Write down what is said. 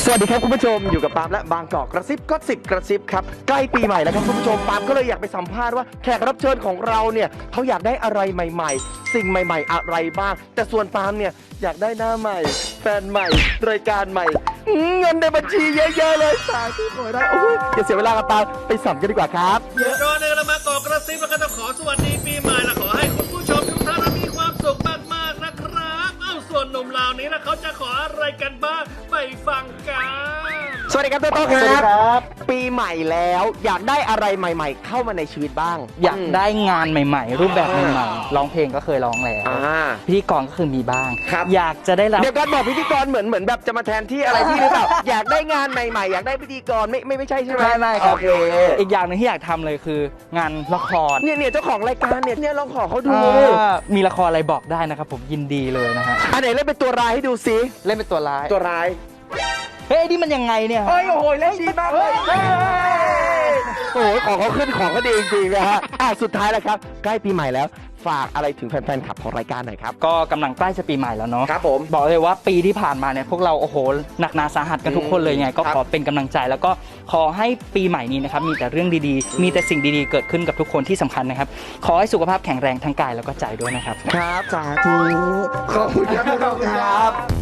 วัสดีครับคุณผู้ชมอยู่กับปาล์มและบางกอกกระซิบก็สิบกระซิบครับใกล้ปีใหม่แล้วครับคุณผู้ชมปาล์มก็เลยอยากไปสัมภาษณ์ว่าแขกรับเชิญของเราเนี่ยเขาอยากได้อะไรใหม่ๆสิ่งใหม่ๆอะไรบ้างแต่ส่วนปาล์มเนี่ยอยากได้หน้าใหม่แฟนใหม่รายการใหม่เงินในบัญชีเยอะๆเลยสาธุขอได้โอ้ยอย่าเสียเวลากับปาล์มไปสัมกันดีกว่าครับก่อนอื่นเรามากอกกระซิบแล้วก็ต้องขอสวัสดีปีใหม่และขอให้คุณผู้ชมทุกท่านมีความสุขมากๆนะครับเอ้าส่วนหนุ่มเหล่านี้นะเขาจะขออะไรกันบ้างไปฟังกันสวัสดีครับโต้โต้ครับปีใหม่แล้วอยากได้อะไรใหม่ ๆ เข้ามาในชีวิตบ้างอยากได้งานใหม่ๆ รูปแบบใหม่ๆร้องเพลงก็เคยร้องแล้วพิธีกรก็คือมีบ้าง อยากจะได้รับเดี๋ยวก่อนบอกพิธีกรเหมือนแบบจะมาแทนที่อะไรที่หรือเปล่า อยากได้งานใหม่ๆอยากได้พิธีกรไม่ใช่ใช่ไหมไม่ครับโอเคอีกอย่างหนึ่งที่อยากทำเลยคืองานละครเนี่ยเจ้าของรายการเนี่ยลองขอเขาดูมีละครอะไรบอกได้นะครับผมยินดีเลยนะฮะอันไหนเล่นเป็นตัวร้ายให้ดูซิเล่นเป็นตัวร้ายตัวร้ายเฮ้ยนี่มันยังไงเนี่ยโอ้โหเล่นดีมากเลยโอ้โหของเขาขึ้นของก็ดีจริงๆนะฮะสุดท้ายแล้วครับใกล้ปีใหม่แล้วฝากอะไรถึงแฟนๆขับของรายการหน่อยครับก็กำลังใกล้จะปีใหม่แล้วเนาะครับผมบอกเลยว่าปีที่ผ่านมาเนี่ยพวกเราโอ้โหหนักหนาสาหัสกันทุกคนเลยไงก็ขอเป็นกำลังใจแล้วก็ขอให้ปีใหม่นี้นะครับมีแต่เรื่องดีๆมีแต่สิ่งดีๆเกิดขึ้นกับทุกคนที่สำคัญนะครับขอให้สุขภาพแข็งแรงทั้งกายแล้วก็ใจด้วยนะครับครับสาธุขอบคุณครับ